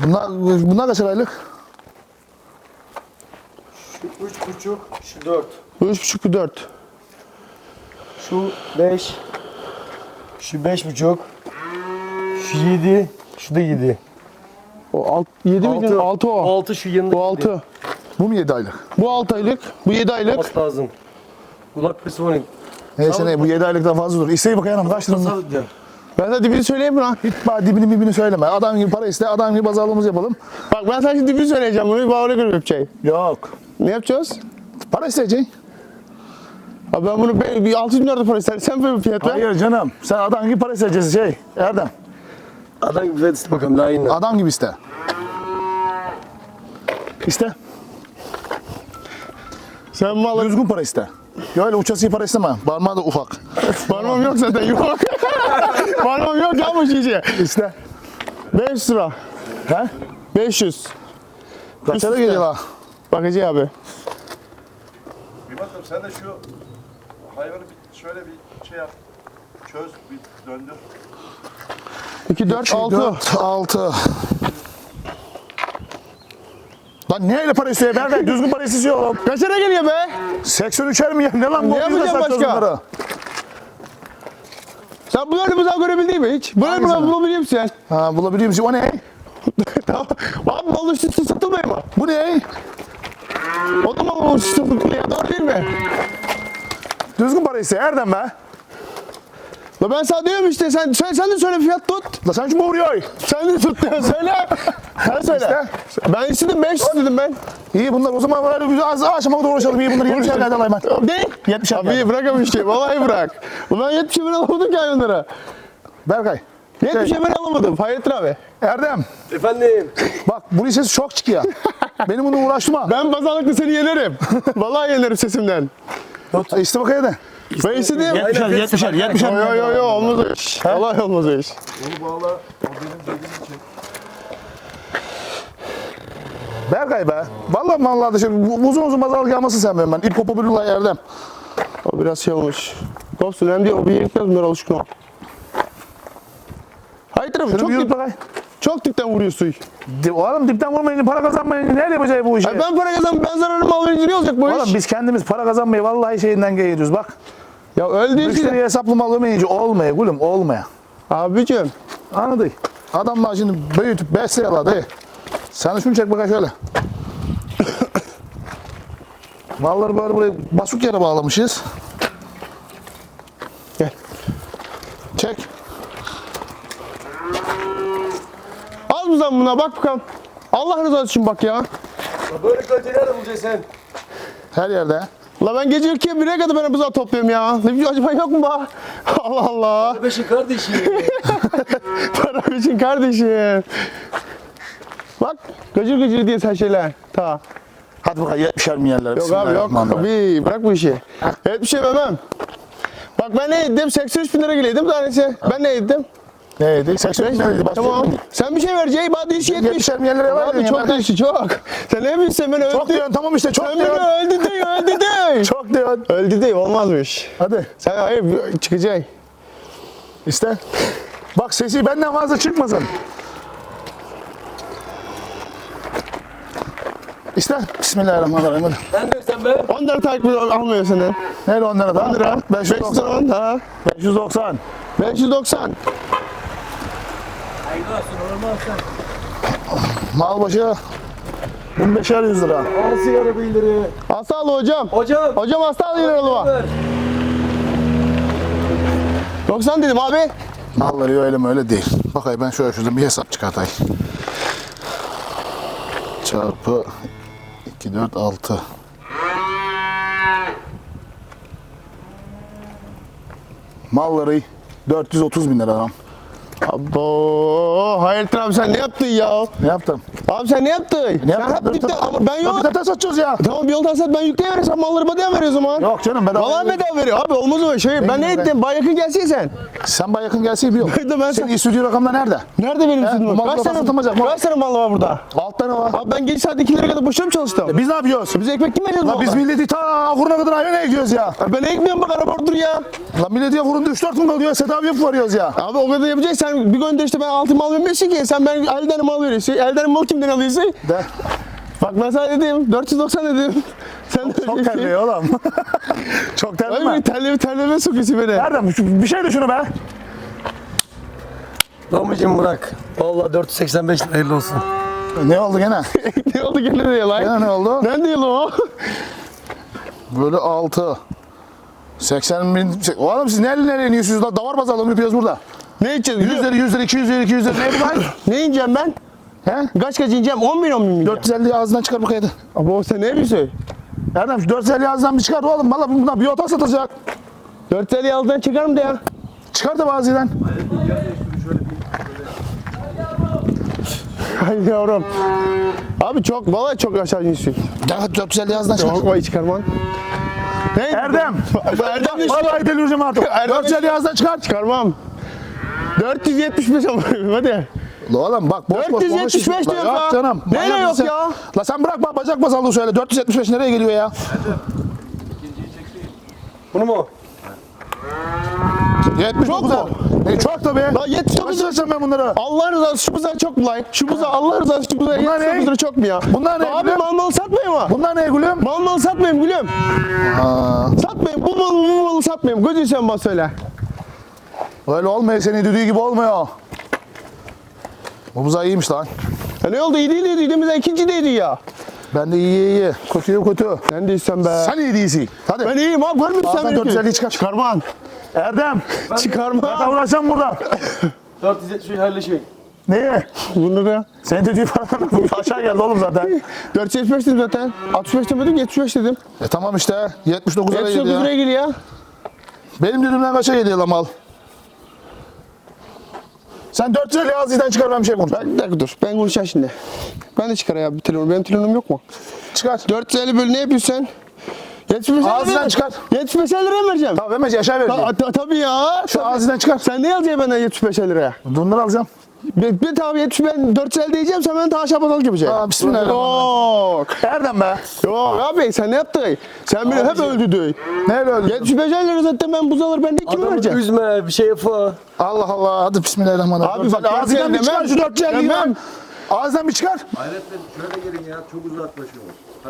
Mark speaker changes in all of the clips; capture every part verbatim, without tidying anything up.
Speaker 1: Bunlar, bunlar kaç aylık?
Speaker 2: Şu üç buçuk, şu dört.
Speaker 3: Üç buçuk, dört.
Speaker 2: Şu beş. Şu beş buçuk. Şu yedi. Şu da yedi.
Speaker 3: O alt, yedi mi?
Speaker 2: Altı.
Speaker 3: Altı o.
Speaker 2: Altı şu yanında.
Speaker 3: Bu altı.
Speaker 1: Bu mu yedi aylık?
Speaker 3: Bu altı aylık. Bu yedi aylık.
Speaker 2: Olması lazım. Kulak pesi var.
Speaker 1: Neyse ne bu yedi aylıktan fazla dur. İsteği bakayım kaç lira?
Speaker 2: Nasıl diyor?
Speaker 3: Ben sana dibini söyleyeyim mi lan?
Speaker 1: Hiç bana dibini bibini söyleme. Adam gibi para iste, adam gibi pazarlığımızı yapalım.
Speaker 3: Bak ben sana şimdi dibini söyleyeceğim. Bunu bana göre yapacağım.
Speaker 1: Yok.
Speaker 3: Ne yapacağız?
Speaker 1: Para isteyeceksin.
Speaker 3: Abi ben bunu be- bir altı bin lira para isterim. Sen böyle bir fiyat ver.
Speaker 1: Hayır canım. Sen adam gibi para isteyeceksin şey. Erdem.
Speaker 2: Adam gibi fiyat iste bakalım daha iyi.
Speaker 1: Adam gibi iste. İste.
Speaker 3: Sen malı...
Speaker 1: Düzgün para iste. Ya öyle uçası para isteme. Parmağı da ufak.
Speaker 3: Parmağım yok zaten yok. Parmağım yok ya bu şişe.
Speaker 1: İste.
Speaker 3: beş yüz lira.
Speaker 1: He?
Speaker 3: beş yüz.
Speaker 1: Kaça da geliyor la?
Speaker 3: Bakıcı abi.
Speaker 4: Kıymetlim sen de şu hayvanı bir şöyle bir şey yap. Çöz, bir döndür.
Speaker 3: iki, dört, altı.
Speaker 1: dört, altı. Lan neyle para istiyor? Ben de düzgün para istiyorum.
Speaker 3: Kaç lira geliyor be?
Speaker 1: seksen üçer mi ya? Ne lan bu?
Speaker 3: Ne yapacağım
Speaker 1: Yüzde satacağız
Speaker 3: başka?
Speaker 1: bunları.
Speaker 3: Sen bunları mızal görebildin mi hiç? Bunları
Speaker 1: Hangisini?
Speaker 3: mı bulabiliyor musun sen?
Speaker 1: Ha bulabiliyor musun? O ne?
Speaker 3: Tamam. Abi mal üstü satılmıyor mu?
Speaker 1: Bu ne?
Speaker 3: O da mal üstü satılmıyor ya. Doğru değil mi?
Speaker 1: Düzgün para istiyor. Erdem be.
Speaker 3: La ben sana diyorum işte sen, sen, sen de söyle fiyat tut.
Speaker 1: La sen şu vuruyor.
Speaker 3: Sen de tut ya söyle. Sen söyle. Ben istedim beş yüz dedim ben.
Speaker 1: İyi bunlar o zaman böyle güzel az aşama kadar uğraşalım. İyi bunları yetmiş ellerden alayım ben.
Speaker 3: Ne?
Speaker 1: yetmiş ellerden.
Speaker 3: Abi bırak abi işte. Vallahi bırak. Ulan yetmişe ben alamadım ki hayvanlara.
Speaker 1: Berkay.
Speaker 3: yetmişe ben alamadım. Hayrettin abi.
Speaker 1: Erdem.
Speaker 2: Efendim.
Speaker 1: Bak bunun sesi çok çıkıyor. Benim bunu uğraştırma.
Speaker 3: Ben pazarlıkla seni yenerim. Vallahi yenerim sesimden.
Speaker 1: Ben... İste bakayım da.
Speaker 3: Ben istedim.
Speaker 1: yetmişer, yetmişer, yetmişer.
Speaker 3: Yo yo yo yo olmaz o iş. Vallahi olmaz o iş.
Speaker 4: Onu bağla, o benim dediğim için.
Speaker 1: Berkay be. Vallahi vallahi da şöyle uzun uzun pazarlık yapmasın sen benim ben. İp kopu bürürler Erdem.
Speaker 3: O biraz şey olmuş. Kopsun hem diyor o bir yerlikten bunlar alışkın ol. Hayır abi
Speaker 1: Şunu
Speaker 3: çok
Speaker 1: bir yürüt
Speaker 3: dip,
Speaker 1: bakayım.
Speaker 3: çok dipten vuruyor suyu.
Speaker 1: Di- Oğlum dipten vurmayınca para kazanmayınca nerede yapacağız bu işi?
Speaker 3: Ay ben para kazan ben zararım mal verince ne olacak bu
Speaker 1: Oğlum
Speaker 3: iş?
Speaker 1: biz kendimiz para kazanmayı vallahi şeyinden geliyoruz bak.
Speaker 3: Ya öldüğün için.
Speaker 1: Müşteriye hesaplı mal vermeyince olmuyor gülüm olmuyor.
Speaker 3: Abicim.
Speaker 1: Anladın? Adamlar şimdi büyütüp besliyorlar dayı. Sen de şunu çek bakayım şöyle. Malları böyle buraya basuk yere bağlamışız.
Speaker 3: Gel.
Speaker 1: Çek.
Speaker 3: Az mı zaman buna bak bakalım. Allah rızası için bak ya.
Speaker 2: Böyle kaliteyi nerede bulacaksın sen?
Speaker 1: Her yerde.
Speaker 3: La ben gece ikiye bire kadar ben buzağı topluyorum ya. Ne bileyim acaba yok mu bak? Allah Allah.
Speaker 2: Beşin kardeşi.
Speaker 3: Para için kardeşim. Bak gıcır gıcır diye sen şeyler. Ta.
Speaker 1: Hadi bakalım yetmişer mi yerler?
Speaker 3: Yok abi yok. Abi bırak bu işi. Evet bir şey vermem. Bak ben ne ettim? seksen üç bin lira geliydim tanesi. Ben ne ettim?
Speaker 1: Neydi? seksen üç neydi?
Speaker 3: Tamam. Sen bir şey vereceksin. Bana dişi yetmiş.
Speaker 1: yetmişer mi yerlere var
Speaker 3: Abi
Speaker 1: ya?
Speaker 3: çok değişik çok. Sen ne bilirsin beni
Speaker 1: Çok
Speaker 3: öldü.
Speaker 1: diyorsun tamam işte çok
Speaker 3: Sen beni
Speaker 1: diyorsun.
Speaker 3: öldü diyor öldü diyor.
Speaker 1: Çok diyorsun.
Speaker 3: Öldü diyor olmazmış.
Speaker 1: Hadi
Speaker 3: Sen hayır çıkacaksın.
Speaker 1: iste. Bak sesi benden fazla çıkmasın. İste. Bismillahirrahmanirrahim. Hadi.
Speaker 2: Sen de sen be.
Speaker 3: on lira takip almıyor senden.
Speaker 1: Nerede onlara da?
Speaker 3: on lira.
Speaker 1: beş yüz doksan.
Speaker 3: on ha.
Speaker 1: beş yüz doksan.
Speaker 3: beş yüz doksan.
Speaker 2: Hayırlı olsun normal sen.
Speaker 1: Mal başı bin beşer yüz lira.
Speaker 2: Al sigara bildiri.
Speaker 3: Hasta al hocam.
Speaker 2: Hocam.
Speaker 3: Hocam hasta al yine oğluma.
Speaker 2: Ver.
Speaker 3: doksan dedim abi.
Speaker 1: Malları öyle mi öyle değil. Bakayım ben şöyle şuradan bir hesap çıkartayım. Çarpı iki, dört, altı. Malları dört yüz otuz bin lira adam.
Speaker 3: Abo, Hayrettin abi sen ne yaptın ya?
Speaker 1: Ne yaptım?
Speaker 3: Abi sen ne yaptın?
Speaker 1: Ne
Speaker 3: sen
Speaker 1: yaptım?
Speaker 3: hep dipte, ama ben yok.
Speaker 1: Bir tane satacağız ya.
Speaker 3: Tamam bir yoldan sat ben yükleyeyim sen malları bedava veriyor o zaman.
Speaker 1: Yok canım bedava.
Speaker 3: Vallahi bedava veriyor abi olmaz öyle şey. Ben ne
Speaker 1: Ben-
Speaker 3: ettim? Bay yakın gelsin sen.
Speaker 1: Sen bana yakın gelse biliyorum.
Speaker 3: Ben de ben
Speaker 1: Senin istüdyo rakamda nerede?
Speaker 3: Nerede benim
Speaker 1: He,
Speaker 3: stüdyom?
Speaker 1: bu mal
Speaker 3: Kaç
Speaker 1: kafa
Speaker 3: tane,
Speaker 1: satılmayacak, mal.
Speaker 3: kaç tane mal var burada?
Speaker 1: Alt Altta ne var?
Speaker 3: Abi ben gece saat ikilere kadar boşuna mı çalıştım?
Speaker 1: Biz ne yapıyoruz?
Speaker 3: Biz ekmek kim veriyoruz?
Speaker 1: Lan biz milleti ta fırına kadar hayvan ekiyoruz ya.
Speaker 3: Ben ekmiyorum bak araba orada dur ya.
Speaker 1: Lan milleti ya fırında üç dört gün kalıyor. Sedat abi yapıp varıyoruz ya.
Speaker 3: Abi o kadar yapacaksan sen bir gönder işte ben altı mal vermiyorsun ki. Sen ben elden mal veriyorsun. Elden mal kimden alıyorsun?
Speaker 1: De.
Speaker 3: Bak ben sana dedim dört yüz doksan dedim. Sen de
Speaker 1: Çok terliyor oğlum. Çok terliyor
Speaker 3: Öyle
Speaker 1: mu?
Speaker 3: bir terleme terleme sokuyorsun beni.
Speaker 1: Erdem şu- bir şey de şunu be.
Speaker 2: Babacım bırak. Vallahi dört yüz seksen beş lira hayırlı olsun.
Speaker 1: Ne oldu gene?
Speaker 3: Ne oldu gene diye lan?
Speaker 1: Gene ne oldu?
Speaker 3: Nerede yıl o?
Speaker 1: Bölü altı. seksen bin. Oğlum siz nereye nereye iniyorsunuz lan? Davar bazalım yapıyoruz burada.
Speaker 3: Ne içeceğiz?
Speaker 1: yüz lira, yüz lira, iki yüz lira, iki yüz lira. Ne bu lan?
Speaker 3: Ne ineceğim ben?
Speaker 1: He?
Speaker 3: Kaç kaç ineceğim? on bin on bin mi ineceğim?
Speaker 1: dört yüz elli ağzından çıkar bu kaydı.
Speaker 3: Abi o sen ne yapıyorsun?
Speaker 1: Erdem şu dört yüz elli ağzından bir çıkar oğlum. Valla bundan bir otak satacak.
Speaker 3: dört yüz elli altından çıkar mı de ya?
Speaker 1: Çıkar da bazıdan.
Speaker 3: Ay yavrum. Abi çok vallahi çok aşağı iniyorsun.
Speaker 1: Ya dört yüz elli ağzından çıkar.
Speaker 3: Çok vay çıkarman. Ne?
Speaker 1: Erdem.
Speaker 3: Erdem de
Speaker 1: Vallahi delireceğim artık.
Speaker 3: Erdem
Speaker 1: dört yüz elli ağzından çıkar.
Speaker 3: çıkarmam. dört yüz yetmiş beş ama hadi.
Speaker 1: La oğlum bak boş boş
Speaker 3: dört yüz yetmiş beş
Speaker 1: konuşuyorsun.
Speaker 3: diyor
Speaker 1: La
Speaker 3: ya.
Speaker 1: Yok canım.
Speaker 3: Neyle
Speaker 1: Manyak
Speaker 3: yok
Speaker 1: mısın?
Speaker 3: ya?
Speaker 1: La sen bırakma bacak basallığı söyle. dört yüz yetmiş beş nereye geliyor ya?
Speaker 2: Bunu mu?
Speaker 1: yetmiş dokuz
Speaker 3: Çok mu?
Speaker 1: E çok tabii.
Speaker 3: La yetmiş dokuz
Speaker 1: Kaç lira ben bunları?
Speaker 3: Allah rızası şu buzağı çok mu lan? Şu buzağı Allah rızası şu buzağı
Speaker 1: Bunlar
Speaker 3: yetmiş dokuz
Speaker 1: ne?
Speaker 3: lira çok mu ya?
Speaker 1: Bunlar ne
Speaker 3: Abi
Speaker 1: gülüm?
Speaker 3: mal mal satmayayım mı?
Speaker 1: Bunlar ne gülüm?
Speaker 3: Mal mal satmayayım gülüm. Satmayayım bu malı bu malı satmayayım. Gözün sen bana söyle.
Speaker 1: Öyle olmuyor senin dediği gibi olmuyor. Bu buzağı iyiymiş lan.
Speaker 3: Ya ne oldu iyi değil dediğimizde ikinci değildi ya.
Speaker 1: Ben de iyi iyi. Kötüye kötü.
Speaker 3: Sen değilsen be.
Speaker 1: Sen iyi değilsin. Hadi.
Speaker 3: Ben iyiyim abi görmüyor musun
Speaker 1: Ağzından
Speaker 3: sen beni?
Speaker 1: dört yüz elliyi çıkar.
Speaker 3: Çıkarman.
Speaker 1: Erdem.
Speaker 3: Çıkarma.
Speaker 1: Ben uğraşacağım burada.
Speaker 2: dört yüz yetmiş beş hayırlı şey.
Speaker 1: Neye?
Speaker 3: Bunu da.
Speaker 1: Senin dediğin paradan bu aşağı geldi oğlum zaten.
Speaker 3: dört yüz yetmiş beş dedim zaten. altmış beş demedim yetmiş beş dedim.
Speaker 1: E tamam işte. yetmiş dokuz lira
Speaker 3: yetmiş
Speaker 1: geldi
Speaker 3: dokuz
Speaker 1: ya.
Speaker 3: liraya geliyor.
Speaker 1: Benim dediğimden kaça geliyor lan mal? Sen dört yüz elli ağzından çıkar ben bir şey konuş.
Speaker 3: Bir dakika dur. Ben konuşacağım şimdi. Ben de çıkar ya bir telefon. Benim telefonum yok mu?
Speaker 1: Çıkar.
Speaker 3: dört yüz elli bölü ne yapıyorsun sen? yetmiş beş
Speaker 1: Ağzından
Speaker 3: lira-
Speaker 1: çıkar.
Speaker 3: yetmiş beş lira mı vereceğim?
Speaker 1: Tamam vermez aşağı
Speaker 3: Ta,
Speaker 1: vereceğim.
Speaker 3: ta, tabii ya.
Speaker 1: Şu
Speaker 3: Tabii.
Speaker 1: ağzından çıkar.
Speaker 3: Sen ne alacaksın benden yetmiş beş liraya?
Speaker 1: Bunları alacağım.
Speaker 3: Bir, bir tabi yetmiş ben dört yüz elli diyeceğim sen benden ta aşağı basalık yapacaksın.
Speaker 1: Aa, bismillahirrahmanirrahim.
Speaker 3: Yok.
Speaker 1: Erdem be.
Speaker 3: Yok abi sen ne yaptın? Sen beni hep öldürdün.
Speaker 1: Nerede öldü?
Speaker 3: yetmiş beş lira zaten ben buzaları ben ne kime
Speaker 2: Adamı
Speaker 3: vereceğim?
Speaker 2: üzme bir şey yapma.
Speaker 1: Allah Allah. Hadi bismillahirrahmanirrahim.
Speaker 3: Abi bak,
Speaker 1: Sen ağzından bir
Speaker 3: demem.
Speaker 1: çıkar şu dört yüz elliyi
Speaker 3: Demem.
Speaker 1: lan. Ağzından bir çıkar.
Speaker 4: Hayrettin şöyle gelin ya çok uzaklaşıyor. Ha?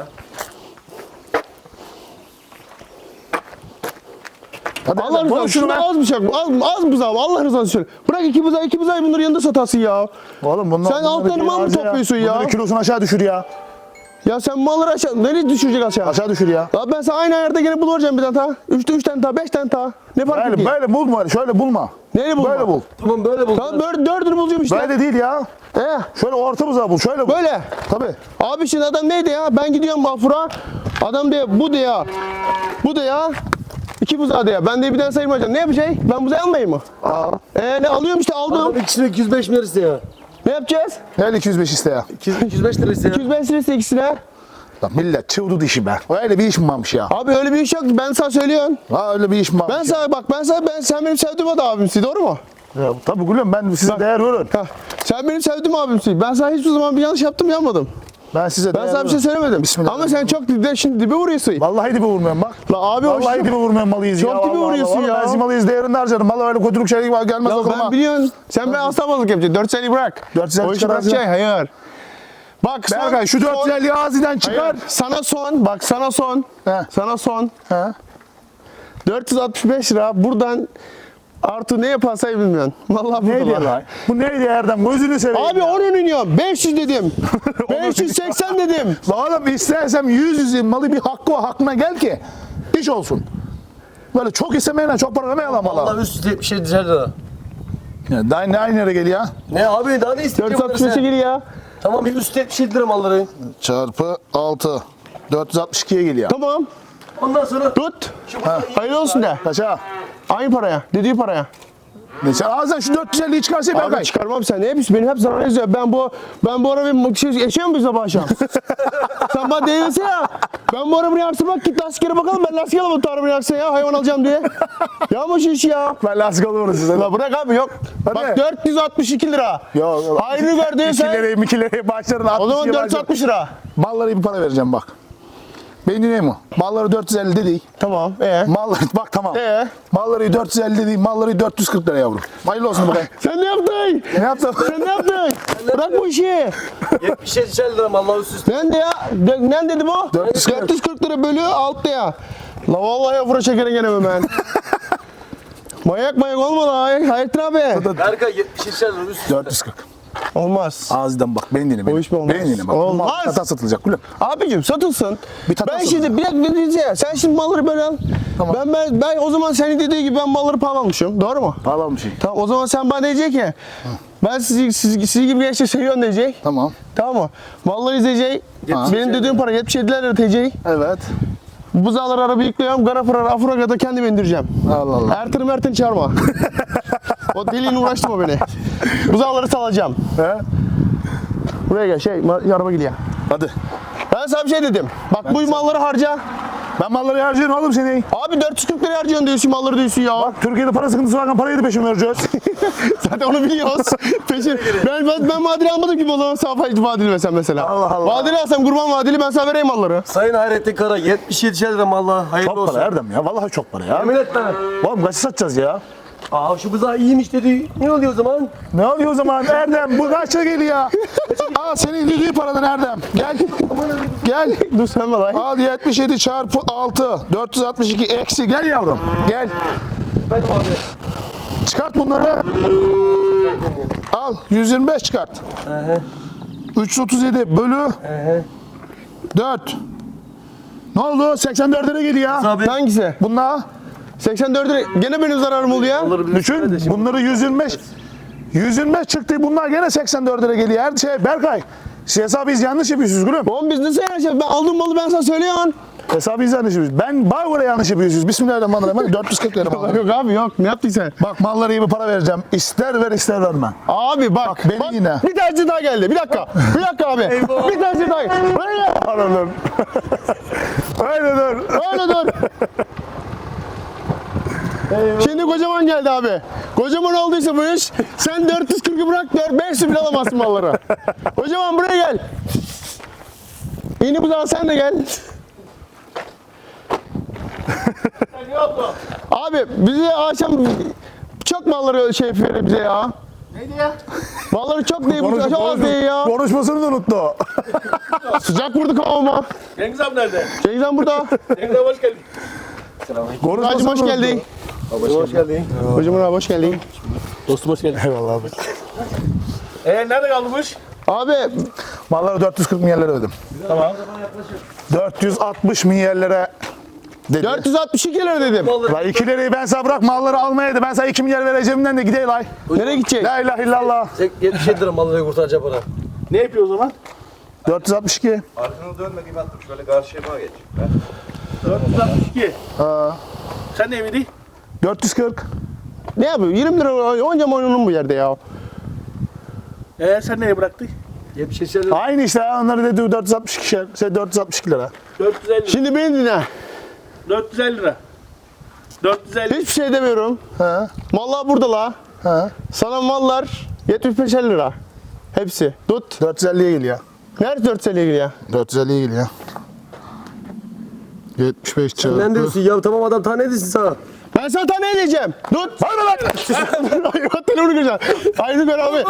Speaker 1: Hadi
Speaker 3: Allah
Speaker 1: Erdem, konuş
Speaker 3: rızası
Speaker 1: şunu
Speaker 3: şunu
Speaker 1: be.
Speaker 3: az bıçak az, az buzağı Allah rızası için. Bırak iki buzağı iki buzağı bunları yanında satarsın ya.
Speaker 1: Oğlum bunlar,
Speaker 3: Sen altlarını mal mı topluyorsun ya?
Speaker 1: Bunları kilosunu aşağı düşür ya.
Speaker 3: Ya sen malları aşağı nereye düşürecek aşağı?
Speaker 1: Aşağı düşür ya.
Speaker 3: Ya ben sana aynı ayarda gene bulacağım bir tane daha. Üçte üç tane daha, beş tane daha. Ne fark
Speaker 1: Böyle,
Speaker 3: ediyor?
Speaker 1: böyle bulma öyle. Şöyle bulma.
Speaker 3: Neyle bulma?
Speaker 1: Böyle bul.
Speaker 2: Tamam böyle bul.
Speaker 3: Tamam böyle dördünü bulacağım işte.
Speaker 1: Böyle değil ya.
Speaker 3: He,
Speaker 1: Şöyle orta buzağı bul. Şöyle bul.
Speaker 3: böyle.
Speaker 1: Tabii.
Speaker 3: Abi şimdi adam neydi ya? Ben gidiyorum Bafur'a. Adam diyor bu diyor. Bu diyor. İki buzağı diyor. Ben de bir tane sayılmayacağım. Ne yapacak? Ben buzağı almayayım mı?
Speaker 1: Aa.
Speaker 3: Ee ne alıyorum işte aldım.
Speaker 2: Adam ikisine iki yüz beş milyar iste ya.
Speaker 3: Ne yapacağız?
Speaker 1: Gel iki yüz beş iste ya.
Speaker 2: iki yüz beş lira iste ya.
Speaker 3: iki yüz beş lirası ikisine.
Speaker 1: Lan millet çığdı dişi be. Öyle bir iş mi varmış ya?
Speaker 3: Abi öyle bir iş yok. Ben sana söylüyorum.
Speaker 1: Ha öyle bir iş mi varmış?
Speaker 3: Ben sana bak ben sana ben sen benim sevdiğim adam abimsin doğru mu?
Speaker 1: Ya, tabii gülüm ben size değer veririm.
Speaker 3: Heh. Sen benim sevdiğim abimsin. Ben sana hiçbir zaman bir yanlış yaptım yapmadım.
Speaker 1: Ben size
Speaker 3: Ben
Speaker 1: değer
Speaker 3: sana bir şey
Speaker 1: veririm.
Speaker 3: söylemedim.
Speaker 1: Bismillah.
Speaker 3: Ama sen çok dibe, şimdi dibe vuruyorsun.
Speaker 1: Vallahi dibe vurmuyorum bak.
Speaker 3: La abi hoş.
Speaker 1: Vallahi dibe vurmuyorum malıyız
Speaker 3: Çok
Speaker 1: ya.
Speaker 3: dibe
Speaker 1: vallahi,
Speaker 3: vuruyorsun
Speaker 1: vallahi.
Speaker 3: ya.
Speaker 1: Ben malıyız değerini harcarım. Vallahi öyle kötülük şey var gelmez
Speaker 3: Ya
Speaker 1: aklıma.
Speaker 3: ben biliyorsun. Sen ben aslanmalık yapacaksın. dört yüz elli bırak.
Speaker 1: dört yüz elli
Speaker 3: O işi
Speaker 1: çıkar
Speaker 3: bırakacaksın. Hayır. Bak son,
Speaker 1: Berkay şu dört yüz elliyi ağzından çıkar.
Speaker 3: Hayır. Sana son. Bak sana son.
Speaker 1: He.
Speaker 3: Sana son.
Speaker 1: He.
Speaker 3: dört yüz altmış beş lira. Buradan artı ne yaparsa bilmiyorum. Vallahi
Speaker 1: Neydi
Speaker 3: burada
Speaker 1: ya?
Speaker 3: var.
Speaker 1: Bu neydi Erdem? Gözünü seveyim.
Speaker 3: Abi onu iniyorum. beş yüz dedim. beş yüz seksen dedim.
Speaker 1: La oğlum istersem yüz yüzün malı bir hakkı o hakkına gel ki iş olsun. Böyle çok istemeyen çok para vermeyelim
Speaker 2: Allah
Speaker 1: valla.
Speaker 2: üst üste yetmiş yedi lira.
Speaker 1: Ya, daha ne aynı yere geliyor ya?
Speaker 2: Ne abi daha ne
Speaker 3: dört
Speaker 2: isteyeceğim
Speaker 3: yüz altmış
Speaker 2: bunları
Speaker 3: beşe
Speaker 2: sen?
Speaker 3: geliyor.
Speaker 2: Tamam bir üst yetmiş yedi lira malları.
Speaker 1: Çarpı altı. dört yüz altmış ikiye geliyor.
Speaker 3: Tamam.
Speaker 2: Ondan sonra
Speaker 3: Tut.
Speaker 2: şu burada iyi-
Speaker 3: Hayırlı olsun de.
Speaker 1: Kaça?
Speaker 3: Aynı paraya. Dediği paraya.
Speaker 1: Ne sen ağzından şu dört yüz elliyi çıkarsa ben
Speaker 3: Abi
Speaker 1: kay.
Speaker 3: çıkarmam sen. Ne yapıyorsun? Benim hep zarar yazıyor. Ben bu ben bu ara bir şey yaşıyor muyum sabah akşam? Sen bana değilse ya. Ben bu arabayı yaksın bak git lastiklere bakalım. Ben lastik alamam bu arabayı yaksın ya hayvan alacağım diye. Yapma şu işi ya.
Speaker 1: Ben lastik alıyorum size.
Speaker 3: La bırak abi yok.
Speaker 1: Hadi.
Speaker 3: Bak dört yüz altmış iki lira.
Speaker 1: Yok, yok.
Speaker 3: Hayrını gördüysen.
Speaker 1: İkileri, mikileri başlarına
Speaker 3: O zaman dört yüz altmış lira.
Speaker 1: Mallara iyi bir para vereceğim bak. Beni dinliyor mu? Malları dört yüz elli değil.
Speaker 3: Tamam. Ee?
Speaker 1: Malları bak tamam.
Speaker 3: Ee?
Speaker 1: Malları dört yüz elli değil. Malları dört yüz kırk lira yavrum. Hayırlı olsun bakayım.
Speaker 3: Sen ne yaptın?
Speaker 1: Ne yaptın?
Speaker 3: Sen ne yaptın? Bırak bu işi.
Speaker 2: yetmiş yedi lira Allah üst üste.
Speaker 3: Ben de ya. De, ne dedi bu?
Speaker 1: dört yüz kırk.
Speaker 3: dört yüz kırk lira bölü altta ya. La vallahi afura şekeri gene ben. Mayak mayak olma la. Hayrettin abi.
Speaker 2: Berkay yetmiş yedi lira üst üste.
Speaker 1: dört yüz kırk.
Speaker 3: Olmaz.
Speaker 1: Ağzından bak. Beni dinle. Beni.
Speaker 3: O iş mi olmaz?
Speaker 1: Beni dinle bak.
Speaker 3: Olmaz.
Speaker 1: Mal kata satılacak gülüm.
Speaker 3: Abicim satılsın.
Speaker 1: Bir tane
Speaker 3: ben
Speaker 1: satılsın.
Speaker 3: şimdi bir dakika bir diyeceğim. Sen şimdi malları böyle al.
Speaker 1: Tamam.
Speaker 3: Ben, ben ben o zaman senin dediği gibi ben malları pahalı almışım. Doğru mu?
Speaker 1: Pahalı bir şey.
Speaker 3: Tamam o zaman sen bana diyecek ki ben sizi, sizi, sizi gibi gençleri seviyorum diyecek.
Speaker 1: Tamam.
Speaker 3: Tamam mı? Malları izleyecek.
Speaker 1: Ha.
Speaker 3: Benim dediğim para yetmiş yedi lira diyecek.
Speaker 1: Evet.
Speaker 3: Buzağları araba yüklüyorum. Garafıra, Afuraga'da kendim indireceğim.
Speaker 1: Allah Allah.
Speaker 3: Ertan'ı Mert'ini çağırma. O deliğine uğraştırma beni. Buzağları salacağım.
Speaker 1: He?
Speaker 3: Buraya gel şey ma- araba gidiyor.
Speaker 1: Hadi.
Speaker 3: Ben sana bir şey dedim. Bak bu malları harca.
Speaker 1: Ben malları harcıyorum oğlum seni.
Speaker 3: Abi dört yüz kırk lira harcıyorsun diyorsun malları diyorsun ya.
Speaker 1: Bak Türkiye'de para sıkıntısı varken parayı da peşin vereceğiz.
Speaker 3: Zaten onu biliyoruz. Peşin. Ben, ben, ben vadeli almadım ki malı. Sana vadeli versen mesela.
Speaker 1: Allah Allah.
Speaker 3: Vadeli alsam kurban vadeli ben sana vereyim malları.
Speaker 2: Sayın Hayrettin Kara yetmiş yedi lira Allah hayırlı
Speaker 1: Çok
Speaker 2: olsun.
Speaker 1: para Erdem ya. Vallahi çok para ya.
Speaker 2: Yemin etme.
Speaker 1: Oğlum kaç satacağız ya?
Speaker 2: Aa şu buzağı iyiymiş dedi. Ne oluyor o zaman?
Speaker 1: Ne oluyor o zaman Erdem? Bu kaça geliyor? Aa senin dediği paradan Erdem. Gel. Gel.
Speaker 3: Dur sen bana.
Speaker 1: Al yetmiş yedi çarpı altı. dört yüz altmış iki eksi. Gel yavrum. Gel. Çıkart bunları. Al. yüz yirmi beş çıkart. üç yüz otuz yedi bölü dört. Ne oldu? seksen dörde lira geliyor.
Speaker 2: Abi.
Speaker 3: Hangisi?
Speaker 1: Bunlar
Speaker 3: seksen dört lira. Gene benim zararım oluyor.
Speaker 1: düşün. Bunları yüz yirmi beş. yüz yirmi beş çıktı. Bunlar gene seksen dörde lira geliyor. Her şey Berkay. Siz hesabı biz yanlış yapıyorsunuz gülüm.
Speaker 3: Oğlum biz nasıl yarışacağız? Ben aldığım malı ben sana söylüyorum.
Speaker 1: Hesabı biz yanlış yapıyoruz. Ben bana göre yanlış yapıyorsunuz. Bismillahirrahmanirrahim. dört yüz kırk lira mal.
Speaker 3: Yok abi yok. Ne yaptın sen?
Speaker 1: Bak mallara iyi bir para vereceğim. İster ver ister verme.
Speaker 3: Abi bak.
Speaker 1: Bak, beni yine.
Speaker 3: Bir tercih daha geldi. Bir dakika. Bir dakika abi. Bir tercih daha geldi. Öyle.
Speaker 1: Öyle dur. Öyle dur.
Speaker 3: Öyle dur. Şimdi kocaman geldi abi. Kocaman olduysa bu iş sen dört yüz kırkı bırak beş yüz bile alamazsın malları. Kocaman buraya gel. İni bu zaman sen de gel. Abi bize akşam çok malları şey yapıyor bize ya.
Speaker 2: Neydi ya?
Speaker 3: Malları çok değil, bu
Speaker 1: Konuş,
Speaker 3: çok az değil ya.
Speaker 1: konuşmasını da unuttu.
Speaker 3: Sıcak vurdu kafama.
Speaker 2: Cengiz abi nerede?
Speaker 3: Cengiz Han burada.
Speaker 2: Cengiz abi hoş geldin.
Speaker 3: Hacım hoş
Speaker 1: unuttu.
Speaker 3: geldin.
Speaker 2: Hoş geldin.
Speaker 3: Hocam abi hoş geldin.
Speaker 2: Dostum hoş geldin.
Speaker 1: Eyvallah abi.
Speaker 2: Ee nerede kaldı bu iş?
Speaker 3: Abi
Speaker 1: Mallara dört yüz kırk milyarlara ödedim.
Speaker 2: Tamam.
Speaker 1: dört yüz altmış milyarlara dedi.
Speaker 3: dört yüz altmış iki lira dedim.
Speaker 1: La iki lirayı ben sana bırak malları almayaydı. Ben sana iki milyar vereceğimden de gideyim lay.
Speaker 3: Nereye gidecek?
Speaker 1: La ilahe illallah.
Speaker 2: yetmiş yedi lira malları kurtaracak bana. Ne yapıyor o zaman?
Speaker 1: dört yüz altmış iki.
Speaker 4: Arkanı dönme gibi attım. Şöyle karşıya geç. Ben
Speaker 2: dört yüz altmış iki.
Speaker 1: Ha,
Speaker 2: Sen ne miydi?
Speaker 1: dört yüz kırk.
Speaker 3: Ne yapıyor? yirmi lira oynayacağım oyunun bu yerde ya.
Speaker 2: Ee sen neye bıraktın? yetmiş yedi lira.
Speaker 1: Aynı işte ya, onları dedi dört yüz altmış iki, şey dört yüz altmış iki lira.
Speaker 2: dört yüz elli lira.
Speaker 3: Şimdi beni dinle.
Speaker 2: dört yüz elli lira. dört yüz elli.
Speaker 3: Hiçbir şey demiyorum.
Speaker 1: Ha,
Speaker 3: Mallar burada la.
Speaker 1: ha.
Speaker 3: Sana mallar yetmiş beş lira. Hepsi. Tut.
Speaker 1: dört yüz elliye geliyor.
Speaker 3: Nerede dört yüz elliye geliyor?
Speaker 1: dört yüz elliye geliyor. yetmiş beş çarpı.
Speaker 2: Ne diyorsun ya? Tamam adam tane edesin sana.
Speaker 3: Ben sana tane edeceğim. Tut.
Speaker 1: Var mı lan?
Speaker 3: Hayvan telefonu kıracaksın. Aynı gör abi.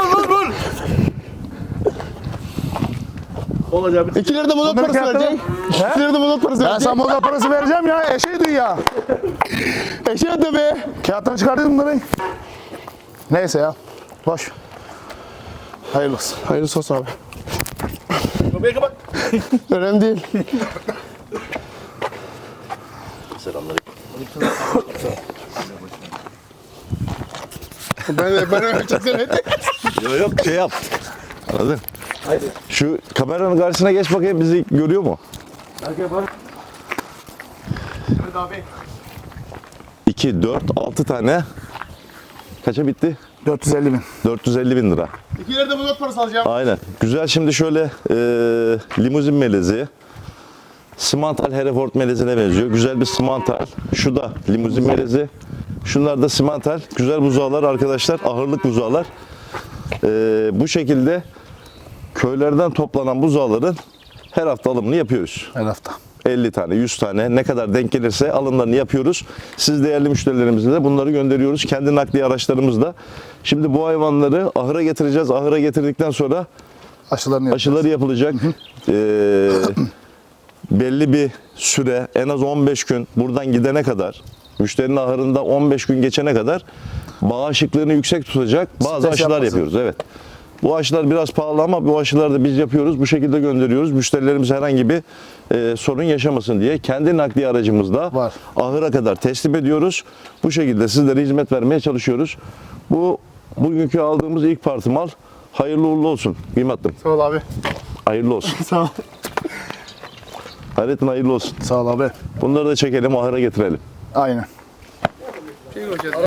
Speaker 2: Olacak bir
Speaker 3: iki lira da mazot
Speaker 1: Bunları
Speaker 3: parası
Speaker 1: kağıtta
Speaker 3: verecek. iki lira da mazot parası
Speaker 1: Ben
Speaker 3: verecek.
Speaker 1: sana moda parası vereceğim ya. Eşeği duy ya.
Speaker 3: Eşeğe de be.
Speaker 1: Kağıttan çıkartayım bunları. Neyse ya. Boş. Hayırlı olsun.
Speaker 3: Hayırlısı olsun abi.
Speaker 2: Kapıyı kapat.
Speaker 3: Önemli değil. ben ben öyle çektim.
Speaker 5: Yok yok şey yap. Anladın?
Speaker 2: Haydi.
Speaker 5: Şu kameranın karşısına geç bakayım bizi görüyor mu?
Speaker 2: Arkaya bak. Hadi abi.
Speaker 5: iki, dört, altı tane. Kaça bitti?
Speaker 1: dört yüz elli bin.
Speaker 5: dört yüz elli bin lira.
Speaker 3: iki lira da mazot parası alacağım.
Speaker 5: Aynen. Güzel şimdi şöyle e, limuzin melezi. Simantal Hereford melezine benziyor. Güzel bir simantal. Şu da limuzin melezi. Şunlar da simantal. Güzel buzağlar arkadaşlar. Ahırlık buzağlar. Ee, bu şekilde köylerden toplanan buzağların her hafta alımını yapıyoruz.
Speaker 1: Her hafta.
Speaker 5: elli tane, yüz tane ne kadar denk gelirse alımlarını yapıyoruz. Siz değerli müşterilerimize de bunları gönderiyoruz. Kendi nakliye araçlarımızla. Şimdi bu hayvanları ahıra getireceğiz. Ahıra getirdikten sonra
Speaker 1: Aşılarını yapacağız.
Speaker 5: aşıları yapılacak. Ee, belli bir süre, en az on beş gün buradan gidene kadar, müşterinin ahırında on beş gün geçene kadar bağışıklığını yüksek tutacak bazı
Speaker 1: Stres
Speaker 5: aşılar
Speaker 1: yapmasın.
Speaker 5: yapıyoruz. Evet. Bu aşılar biraz pahalı ama bu aşıları da biz yapıyoruz. Bu şekilde gönderiyoruz. Müşterilerimiz herhangi bir e, sorun yaşamasın diye kendi nakliye aracımızda
Speaker 1: Var.
Speaker 5: ahıra kadar teslim ediyoruz. Bu şekilde sizlere hizmet vermeye çalışıyoruz. Bu bugünkü aldığımız ilk parti mal. Hayırlı uğurlu olsun. Kıymetlim.
Speaker 3: Sağ ol abi.
Speaker 5: Hayırlı olsun.
Speaker 3: Sağ ol.
Speaker 5: Hayrettin hayırlı olsun.
Speaker 1: Sağ ol abi.
Speaker 5: Bunları da çekelim, ahıra getirelim.
Speaker 1: Aynen.